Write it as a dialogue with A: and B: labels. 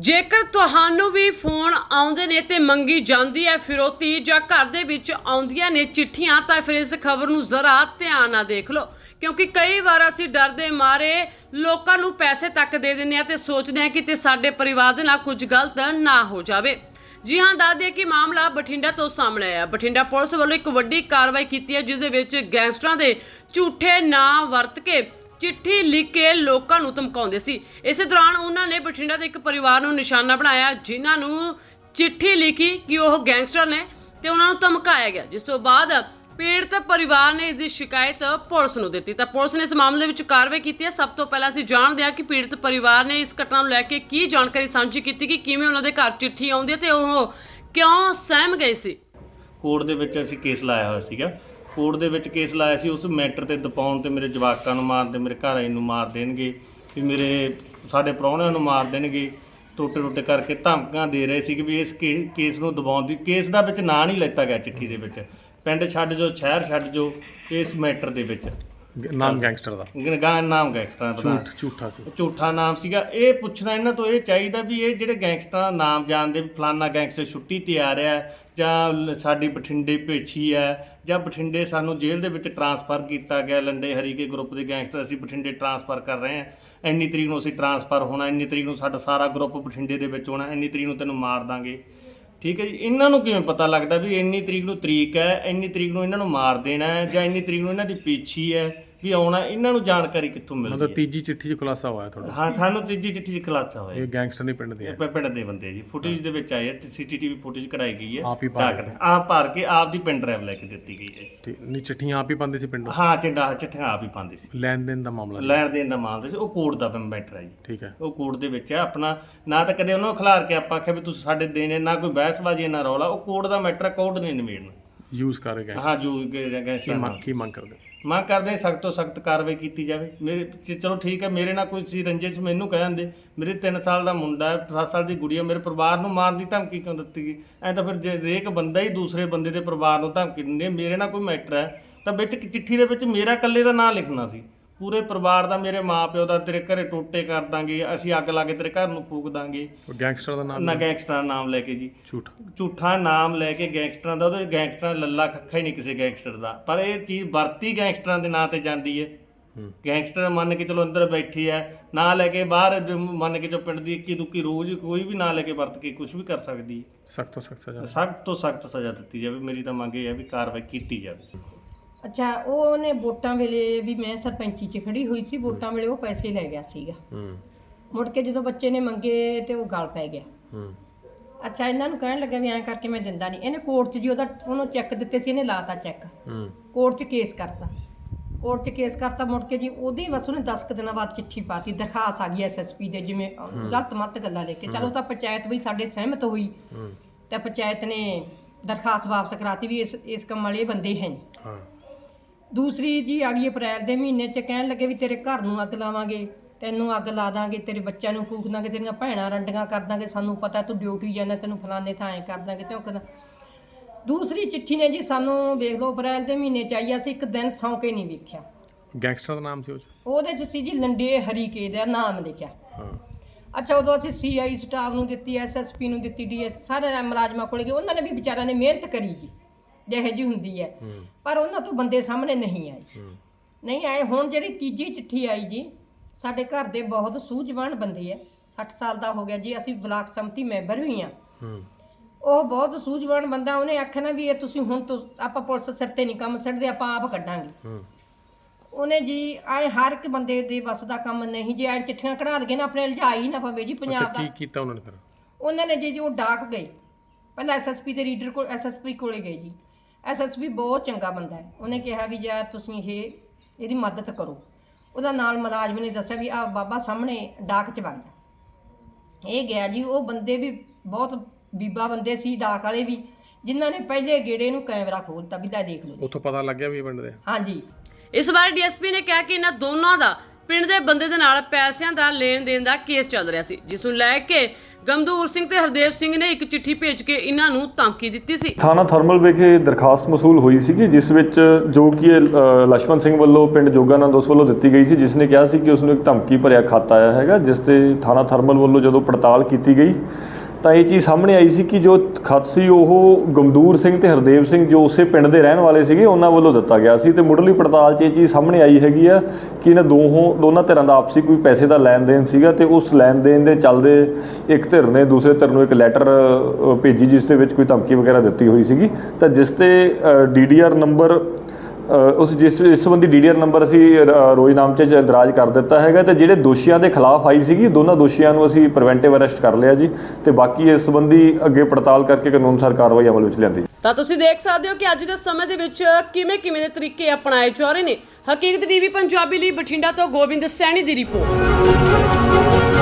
A: ਜੇਕਰ ਤੁਹਾਨੂੰ ਵੀ ਫੋਨ ਆਉਂਦੇ ਨੇ ਤੇ ਮੰਗੀ ਜਾਂਦੀ ਹੈ ਫਿਰੌਤੀ ਜਾਂ ਘਰ ਦੇ ਵਿੱਚ ਆਉਂਦੀਆਂ ਨੇ ਚਿੱਠੀਆਂ ਤਾਂ ਫਿਰ ਇਸ ਖਬਰ ਨੂੰ ਜ਼ਰਾ ਧਿਆਨ ਨਾਲ ਦੇਖ ਲਓ, ਕਿਉਂਕਿ ਕਈ ਵਾਰ ਅਸੀਂ ਡਰ ਦੇ ਮਾਰੇ ਲੋਕਾਂ ਨੂੰ ਪੈਸੇ ਤੱਕ ਦੇ ਦਿੰਦੇ ਆ ਤੇ ਸੋਚਦੇ ਆ ਕਿ ਤੇ ਸਾਡੇ ਪਰਿਵਾਰ ਦੇ ਨਾਲ ਕੁਝ ਗਲਤ ਨਾ ਹੋ ਜਾਵੇ। ਜੀ ਹਾਂ, ਦੱਸ ਦਈਏ ਕਿ ਮਾਮਲਾ ਬਠਿੰਡਾ ਤੋਂ ਸਾਹਮਣੇ ਆਇਆ। ਬਠਿੰਡਾ ਪੁਲਿਸ ਵੱਲੋਂ ਇੱਕ ਵੱਡੀ ਕਾਰਵਾਈ ਕੀਤੀ ਹੈ, ਜਿਸ ਦੇ ਵਿੱਚ ਗੈਂਗਸਟਰਾਂ ਦੇ ਝੂਠੇ ਨਾਂ ਵਰਤ ਕੇ चिट्ठी लिख के लोगों को धमकाउंदे सी। इस दौरान उन्होंने बठिंडा के एक परिवार को निशाना बनाया, जिन्होंने चिट्ठी लिखी कि वह गैंगस्टर ने ते उन्होंने धमकाया गया, जिस तो बाद पीड़ित परिवार ने इसकी शिकायत पुलिस को दी। तो पुलिस ने इस मामले में कार्रवाई की है। सब तो पहले असीं जानते हैं कि पीड़ित परिवार ने इस घटना को लैके की जानकारी साझी की कि किवें उन्होंने घर चिट्ठी आउंदी ते ओह क्यों सहम गए सी।
B: कोर्ट दे विच असीं केस लाया होया सीगा। कोर्ट दे विच केस लाया सी, उस मैटर ते दबाउण ते मेरे जवाकां नूं मारदे, मेरे घर वाले नूं मार देणगे, भी मेरे साडे प्राहुणिਆਂ ਨੂੰ मार देणगे, टोटे करके धमकियां दे रहे सी कि भी इस केस नूं दबाउण दी। केस दा विच ਨਾਂ नहीं लिता गया चिट्ठी दे विच, पिंड छड्ड जो शहर छड्ड जो, इस मैटर दे विच
C: नाम गैंगस्टर दा
B: नाम गैंगस्टर दा
C: झूठा सी,
B: झूठा नाम सीगा। ये पुछना इन्हां तो ये चाहिदा भी ये ਜਿਹੜੇ ਗੈਂਗਸਟਰਾਂ ਦਾ ਨਾਮ ਜਾਣਦੇ ਫਲਾਨਾ ਗੈਂਗਸਟਰ ਛੁੱਟੀ ਤੇ ਆ ਰਿਹਾ ਜਾਂ ਸਾਡੀ ਬਠਿੰਡੇ ਭੇਛੀ ਹੈ ਜਾਂ ਬਠਿੰਡੇ ਸਾਨੂੰ ਜੇਲ੍ਹ ਦੇ ਵਿੱਚ ਟਰਾਂਸਫਰ ਕੀਤਾ ਗਿਆ, ਲੰਡੇ ਹਰੀਕੇ ਗਰੁੱਪ ਦੇ ਗੈਂਗਸਟਰ ਅਸੀਂ ਬਠਿੰਡੇ ਟਰਾਂਸਫਰ ਕਰ ਰਹੇ ਹਾਂ, ਇੰਨੀ ਤਰੀਕ ਨੂੰ ਅਸੀਂ ਟਰਾਂਸਫਰ ਹੋਣਾ, ਇੰਨੀ ਤਰੀਕ ਨੂੰ ਸਾਡਾ ਸਾਰਾ ਗਰੁੱਪ ਬਠਿੰਡੇ ਦੇ ਵਿੱਚ ਹੋਣਾ, ਇੰਨੀ ਤਰੀਕ ਨੂੰ ਤੈਨੂੰ ਮਾਰ ਦਾਂਗੇ। ਠੀਕ ਹੈ ਜੀ, ਇਹਨਾਂ ਨੂੰ ਕਿਵੇਂ ਪਤਾ ਲੱਗਦਾ ਵੀ ਇੰਨੀ ਤਰੀਕ ਨੂੰ ਤਰੀਕ ਹੈ, ਇੰਨੀ ਤਰੀਕ ਨੂੰ ਇਹਨਾਂ ਨੂੰ ਮਾਰ ਦੇਣਾ ਹੈ ਜਾਂ ਇੰਨੀ ਤਰੀਕ ਨੂੰ ਇਹਨਾਂ ਦੀ ਪੇਛੀ ਹੈ ਵੀ ਆਉਣਾ? ਇਹਨਾਂ ਨੂੰ ਜਾਣਕਾਰੀ ਕਿੱਥੋਂ ਮਿਲਦੀ?
C: मतलब तीजी चिट्ठी च खुलासा होया थोड़ा?
B: ਹਾਂ, ਸਾਨੂੰ ਤੀਜੀ ਚਿੱਠੀ 'ਚ ਖੁਲਾਸਾ ਹੋਇਆ।
C: ये गैंगस्टर नहीं पिंड दे
B: ਪਿੰਡ ਦੇ ਬੰਦੇ ਜੀ, ਫੁਟੇਜ ਦੇ ਵਿੱਚ ਆਏ, CCTV ਫੁਟੇਜ ਕਢਾਈ ਗਈ ਹੈ,
C: ਆਪ ਹੀ ਭਰ ਕੇ?
B: ਆਪ ਭਰ ਕੇ ਆਪ ਦੀ ਪਿੰਡ ਡਰਾਈਵ ਲੈ ਕੇ ਦਿੱਤੀ ਗਈ ਹੈ।
C: ठीक नहीं, चिट्ठियां आप ही पांदे सी पिंडों?
B: ਹਾਂ, ਚਿੱਠੀਆਂ ਆਪ ਹੀ ਪਾਉਂਦੇ ਸੀ।
C: लेन देन दा मामला?
B: ਲੈਣ ਦੇਣ ਦਾ ਮਾਮਲਾ ਸੀ, ਉਹ ਕੋਰਟ ਦਾ ਮੈਟਰ ਹੈ ਜੀ।
C: ठीक है।
B: ਉਹ ਕੋਰਟ ਦੇ ਵਿੱਚ ਹੈ ਆਪਣਾ, ਨਾ ਤਾਂ ਕਦੇ ਉਹਨਾਂ ਨੂੰ ਖਿਲਾਰ ਕੇ ਆਪਾਂ ਆਖਿਆ ਵੀ ਤੁਸੀਂ ਸਾਡੇ ਦੇਣੇ, ਨਾ ਕੋਈ ਬਹਿਸਬਾਜ਼ੀ ਨਾ ਰੌਲਾ। ਉਹ ਕੋਰਟ ਦਾ ਮੈਟਰ ਹੈ, ਕੋਰਟ ਨੇ ਨਿਬੇੜਨਾ।
C: यूज कर गए?
B: ਹਾਂ, ਜੂ ਗੈਂਗਸਟਰ
C: की मांग कर दे?
B: ਮੰਗ ਕਰਦੇ ਸਖਤ ਤੋਂ ਸਖਤ ਕਾਰਵਾਈ ਕੀਤੀ ਜਾਵੇ। ਮੇਰੇ ਚਲੋ ਠੀਕ ਹੈ, ਮੇਰੇ ਨਾਲ ਕੋਈ ਸੀ ਰੰਜਿਸ਼, ਮੈਨੂੰ ਕਹਿ ਦਿੰਦੇ। ਮੇਰੇ 3 ਸਾਲ ਦਾ ਮੁੰਡਾ ਹੈ, 7 ਸਾਲ ਦੀ ਗੁੜੀਆ, ਮੇਰੇ ਪਰਿਵਾਰ ਨੂੰ ਮਾਰਨ ਦੀ ਧਮਕੀ ਕਿਉਂ ਦਿੱਤੀ ਗਈ? ਐਂ ਤਾਂ ਫਿਰ ਜੇ ਹਰੇਕ ਬੰਦਾ ਹੀ ਦੂਸਰੇ ਬੰਦੇ ਦੇ ਪਰਿਵਾਰ ਨੂੰ ਧਮਕੀ ਦਿੰਦੇ। ਮੇਰੇ ਨਾਲ ਕੋਈ ਮੈਟਰ ਹੈ ਤਾਂ ਵਿੱਚ ਚਿੱਠੀ ਦੇ ਵਿੱਚ ਮੇਰਾ ਇਕੱਲੇ ਦਾ ਨਾਂ ਲਿਖਣਾ ਸੀ, ਪੂਰੇ ਪਰਿਵਾਰ ਦਾ, ਮੇਰੇ ਮਾਂ-ਪਿਓ ਦਾ। ਤੇਰੇ ਘਰੇ ਟੋਟੇ ਕਰ ਦਾਂਗੇ, ਅਸੀਂ ਅੱਗ ਲਾ ਕੇ ਤੇਰੇ ਘਰ ਨੂੰ ਫੂਕ ਦਾਂਗੇ।
C: गैंगस्टर दा नाम?
B: ਨਾ ਗੈਂਗਸਟਰਾਂ ਦਾ ਨਾਮ ਲੈ ਕੇ ਜੀ, ਝੂਠਾ ਨਾਮ ਲੈ ਕੇ ਗੈਂਗਸਟਰਾਂ ਦਾ। ਉਹਦੇ ਗੈਂਗਸਟਰਾਂ ਲੱਲਾ ਖੱਖਾ ਹੀ ਨਹੀਂ ਕਿਸੇ ਗੈਂਗਸਟਰ ਦਾ, ਪਰ ਇਹ ਚੀਜ਼ ਵਰਤੀ ਗੈਂਗਸਟਰਾਂ ਦੇ ਨਾਂ ਤੇ ਜਾਂਦੀ ਹੈ। ਗੈਂਗਸਟਰ ਮੰਨ ਕੇ ਚਲੋ ਅੰਦਰ ਬੈਠੀ ਹੈ, ਨਾਂ ਲੈ ਕੇ ਬਾਹਰ ਮੰਨ ਕੇ ਜੋ ਪਿੰਡ ਦੀ ਇੱਕੀ ਦੁੱਕੀ ਰੋਜ਼ ਕੋਈ ਵੀ ਨਾਂ ਲੈ ਕੇ ਵਰਤ ਕੇ ਕੁਝ ਵੀ ਕਰ ਸਕਦੀ ਹੈ।
C: सख्त तो सख्त सजा?
B: ਸਖਤ ਤੋਂ ਸਖਤ ਸਜ਼ਾ ਦਿੱਤੀ ਜਾਵੇ। ਮੇਰੀ ਤਾਂ ਮੰਗ ਇਹ ਹੈ ਵੀ ਕਾਰਵਾਈ ਕੀਤੀ ਜਾਵੇ।
D: ਅੱਛਾ, ਉਹਨੇ ਵੋਟਾਂ ਵੇਲੇ ਵੀ ਮੈਂ ਸਰਪੰਚੀ 'ਚ ਖੜੀ ਹੋਈ ਸੀ, ਵੋਟਾਂ ਵੇਲੇ ਉਹ ਪੈਸੇ ਲੈ ਗਿਆ ਸੀਗਾ। ਮੁੜ ਕੇ ਜਦੋਂ ਬੱਚੇ ਨੇ ਮੰਗੇ ਤੇ ਉਹ ਗਲ ਪੈ ਗਿਆ। ਅੱਛਾ, ਇਹਨਾਂ ਨੂੰ ਕਹਿਣ ਲੱਗਾ ਵੀ ਐਂ ਕਰਕੇ ਮੈਂ ਦਿੰਦਾ ਨਹੀਂ। ਇਹਨੇ ਕੋਰਟ 'ਚ ਜੀ ਉਹਨੂੰ ਚੈੱਕ ਦਿੱਤੇ ਸੀ, ਇਹਨੇ ਲਾਤਾ ਚੈੱਕ, ਕੋਰਟ 'ਚ ਕੇਸ ਕਰਤਾ। ਕੋਰਟ 'ਚ ਕੇਸ ਕਰਤਾ, ਮੁੜ ਕੇ ਜੀ ਉਹਦੇ ਬਸ ਉਹਨੇ 10 ਕੁ ਦਿਨਾਂ ਬਾਅਦ ਚਿੱਠੀ ਪਾਤੀ, ਦਰਖਾਸਤ ਆ ਗਈ SSP ਦੇ, ਜਿਵੇਂ ਗਲਤ ਮੱਤ ਗੱਲਾਂ ਲੈ ਕੇ। ਚਲੋ ਤਾਂ ਪੰਚਾਇਤ ਵੀ ਸਾਡੇ ਸਹਿਮਤ ਹੋਈ ਤੇ ਪੰਚਾਇਤ ਨੇ ਦਰਖਾਸਤ ਵਾਪਸ ਕਰਾਤੀ ਵੀ ਇਸ ਕੰਮ ਵਾਲੇ ਬੰਦੇ ਹੈ ਨਹੀਂ। ਦੂਸਰੀ ਜੀ ਆ ਗਈ ਅਪ੍ਰੈਲ ਦੇ ਮਹੀਨੇ 'ਚ, ਕਹਿਣ ਲੱਗੇ ਵੀ ਤੇਰੇ ਘਰ ਨੂੰ ਅੱਗ ਲਾਵਾਂਗੇ, ਤੈਨੂੰ ਅੱਗ ਲਾ ਦਾਂਗੇ, ਤੇਰੇ ਬੱਚਿਆਂ ਨੂੰ ਫੂਕ ਦਾਂਗੇ, ਤੇਰੀਆਂ ਭੈਣਾਂ ਰੰਡੀਆਂ ਕਰ ਦਾਂਗੇ, ਸਾਨੂੰ ਪਤਾ ਤੂੰ ਡਿਊਟੀ ਜਾਂਦਾ, ਤੈਨੂੰ ਫਲਾਣੇ ਥਾਂ ਐਂ ਕਰ ਦਾਂਗੇ ਤੇ ਉਹ ਕਹਿੰਦਾ। ਦੂਸਰੀ ਚਿੱਠੀ ਨੇ ਜੀ ਸਾਨੂੰ ਵੇਖ ਲਓ ਅਪ੍ਰੈਲ ਦੇ ਮਹੀਨੇ 'ਚ ਆਈ, ਅਸੀਂ ਇੱਕ ਦਿਨ ਸੌਂ ਕੇ ਨਹੀਂ ਵੇਖਿਆ।
C: गैंगस्टर दा नाम सी
D: ਉਹਦੇ 'ਚ ਸੀ ਜੀ ਲੰਡੇ ਹਰੀਕੇ ਦਾ ਨਾਮ ਲਿਖਿਆ। ਅੱਛਾ, ਉਦੋਂ ਅਸੀਂ CI ਸਟਾਫ ਨੂੰ ਦਿੱਤੀ, SSP ਨੂੰ ਦਿੱਤੀ, DS ਸਾਰੇ ਮੁਲਾਜ਼ਮਾਂ ਕੋਲ ਗਏ। ਉਹਨਾਂ ਨੇ ਵੀ ਵਿਚਾਰਿਆਂ ਨੇ ਮਿਹਨਤ ਕਰੀ ਜੀ, ਜਿਹੋ ਜਿਹੀ ਹੁੰਦੀ ਹੈ, ਪਰ ਉਹਨਾਂ ਤੋਂ ਬੰਦੇ ਸਾਹਮਣੇ ਨਹੀਂ ਆਏ। ਹੁਣ ਜਿਹੜੀ ਤੀਜੀ ਚਿੱਠੀ ਆਈ ਜੀ, ਸਾਡੇ ਘਰ ਦੇ ਬਹੁਤ ਸੂਝਵਾਨ ਬੰਦੇ ਆ, 60 ਸਾਲ ਦਾ ਹੋ ਗਿਆ ਜੀ, ਅਸੀਂ ਬਲਾਕ ਸੰਮਤੀ ਮੈਂਬਰ ਵੀ ਆ। ਉਹ ਬਹੁਤ ਸੂਝਵਾਨ ਬੰਦਾ, ਉਹਨੇ ਆਖਿਆ ਨਾ ਵੀ ਇਹ ਤੁਸੀਂ ਹੁਣ ਤੋਂ ਆਪਾਂ ਪੁਲਿਸ ਸਿਰ ਤੇ ਨਹੀਂ ਕੰਮ ਛੱਡਦੇ, ਆਪਾਂ ਆਪ ਕੱਢਾਂਗੇ। ਉਹਨੇ ਜੀ ਆਏ ਹਰ ਇੱਕ ਬੰਦੇ ਦੇ ਬਸ ਦਾ ਕੰਮ ਨਹੀਂ ਜੀ, ਐ ਚਿੱਠੀਆਂ ਕਢਾ ਲਗੇ ਨਾ, ਆਪਣੇ ਲਿਜਾ ਹੀ ਨਾ ਪਵੇ ਜੀ ਪੰਜਾਬ ਦਾ।
C: की कीता उन्होंने फिर?
D: ਉਹਨਾਂ ਨੇ ਜੀ ਉਹ ਡਾਕ ਗਏ, ਪਹਿਲਾਂ SSP ਦੇ ਰੀਡਰ ਕੋਲ, SSP ਕੋਲੇ ਗਏ ਜੀ। SSP ਬਹੁਤ ਚੰਗਾ ਬੰਦਾ ਹੈ, ਉਹਨੇ ਕਿਹਾ ਵੀ ਜਾਂ ਤੁਸੀਂ ਇਹਦੀ ਮਦਦ ਕਰੋ। ਉਹਦਾ ਨਾਲ ਮੁਲਾਜ਼ਮ ਨੇ ਦੱਸਿਆ ਵੀ ਆ ਬਾਬਾ ਸਾਹਮਣੇ ਡਾਕ 'ਚ ਵਗ ਜਾ। ਇਹ ਗਿਆ ਜੀ। ਉਹ ਬੰਦੇ ਵੀ ਬਹੁਤ ਬੀਬਾ ਬੰਦੇ ਸੀ, ਡਾਕ ਵਾਲੇ ਵੀ, ਜਿਨ੍ਹਾਂ ਨੇ ਪਹਿਲੇ ਗੇੜੇ ਨੂੰ ਕੈਮਰਾ ਖੋਲਤਾ ਵੀ ਲੈ ਦੇਖ ਲਓ।
C: ਉੱਥੋਂ ਪਤਾ ਲੱਗ ਗਿਆ ਵੀ ਇਹ ਪਿੰਡ ਦੇ?
D: ਹਾਂਜੀ।
A: ਇਸ ਬਾਰੇ DSP ਨੇ ਕਿਹਾ ਕਿ ਇਹਨਾਂ ਦੋਨਾਂ ਦਾ ਪਿੰਡ ਦੇ ਬੰਦੇ ਦੇ ਨਾਲ ਪੈਸਿਆਂ ਦਾ ਲੈਣ ਦੇਣ ਦਾ ਕੇਸ ਚੱਲ ਰਿਹਾ ਸੀ, ਜਿਸ ਨੂੰ ਲੈ ਕੇ ਗਮਦੂਰ ਸਿੰਘ ਤੇ ਹਰਦੇਵ ਸਿੰਘ ਨੇ ਇੱਕ ਚਿੱਠੀ ਭੇਜ ਕੇ ਇਹਨਾਂ ਨੂੰ ਧਮਕੀ ਦਿੱਤੀ ਸੀ।
E: ਥਾਣਾ ਥਰਮਲ ਵਿਖੇ ਦਰਖਾਸਤ ਮਸੂਲ ਹੋਈ ਸੀਗੀ, ਜਿਸ ਵਿੱਚ ਜੋ ਕਿ ਲਛਮਣ ਸਿੰਘ ਵੱਲੋਂ ਪਿੰਡ ਜੋਗਾਨੰਦ ਉਸ ਵੱਲੋਂ ਦਿੱਤੀ ਗਈ ਸੀ, ਜਿਸ ਨੇ ਕਿਹਾ ਸੀ ਕਿ ਉਸ ਨੂੰ ਇੱਕ ਧਮਕੀ ਭਰਿਆ ਖੱਤ ਆਇਆ ਹੈਗਾ, ਜਿਸ ਤੇ ਥਾਣਾ ਥਰਮਲ ਵੱਲੋਂ ਜਦੋਂ ਪੜਤਾਲ ਕੀਤੀ ਗਈ ਤਾਂ ਇਹ ਚੀਜ਼ ਸਾਹਮਣੇ ਆਈ ਸੀ ਕਿ ਜੋ ਖੱਤ ਸੀ ਉਹ ਗਮਦੂਰ ਸਿੰਘ ਤੇ ਹਰਦੇਵ ਸਿੰਘ ਜੋ ਉਸੇ ਪਿੰਡ ਦੇ ਰਹਿਣ ਵਾਲੇ ਸੀਗੇ ਉਹਨਾਂ ਵੱਲੋਂ ਦਿੱਤਾ ਗਿਆ ਸੀ। ਤੇ ਮੁੱਢਲੀ ਪੜਤਾਲ 'ਚ ਇਹ ਚੀਜ਼ ਸਾਹਮਣੇ ਆਈ ਹੈਗੀ ਆ ਕਿ ਇਹਨਾਂ ਦੋਨਾਂ ਧਿਰਾਂ ਦਾ ਆਪਸੀ ਕੋਈ ਪੈਸੇ ਦਾ ਲੈਣ ਦੇਣ ਸੀਗਾ ਤੇ ਉਸ ਲੈਣ ਦੇਣ ਦੇ ਚੱਲਦੇ ਇੱਕ ਧਿਰ ਨੇ ਦੂਸਰੇ ਧਿਰ ਨੂੰ ਇੱਕ ਲੈਟਰ ਭੇਜੀ ਜਿਸ ਦੇ ਵਿੱਚ ਕੋਈ ਧਮਕੀ ਵਗੈਰਾ ਦਿੱਤੀ ਹੋਈ ਸੀਗੀ, ਤਾਂ ਜਿਸ ਤੇ DDR ਨੰਬਰ ਇਸ ਸੰਬੰਧੀ DDR ਨੰਬਰ ਅਸੀਂ ਰੋਜ਼ਨਾਮੇ 'ਚ ਦਰਾਜ ਕਰ ਦਿੱਤਾ ਹੈਗਾ ਤੇ ਜਿਹੜੇ ਦੋਸ਼ੀਆਂ ਦੇ ਖਿਲਾਫ ਆਈ ਸੀਗੀ ਦੋਨਾਂ ਦੋਸ਼ੀਆਂ ਨੂੰ ਅਸੀਂ ਪ੍ਰੀਵੈਂਟਿਵ ਅਰੈਸਟ ਕਰ ਲਿਆ ਜੀ ਤੇ ਬਾਕੀ ਇਸ ਸੰਬੰਧੀ ਅੱਗੇ ਪੜਤਾਲ ਕਰਕੇ ਕਾਨੂੰਨ ਅਨੁਸਾਰ ਕਾਰਵਾਈ ਅਮਲ ਵਿੱਚ ਲਿਆਂਦੀ।
A: ਤਾਂ ਤੁਸੀਂ ਦੇਖ ਸਕਦੇ ਹੋ ਕਿ ਅੱਜ ਦੇ ਸਮੇਂ ਦੇ ਵਿੱਚ ਕਿਵੇਂ ਦੇ ਤਰੀਕੇ ਅਪਣਾਏ ਜਾ ਰਹੇ ਨੇ। ਹਕੀਕਤ TV ਪੰਜਾਬੀ ਲਈ ਬਠਿੰਡਾ ਤੋਂ ਗੋਬਿੰਦ ਸੈਣੀ ਦੀ ਰਿਪੋਰਟ।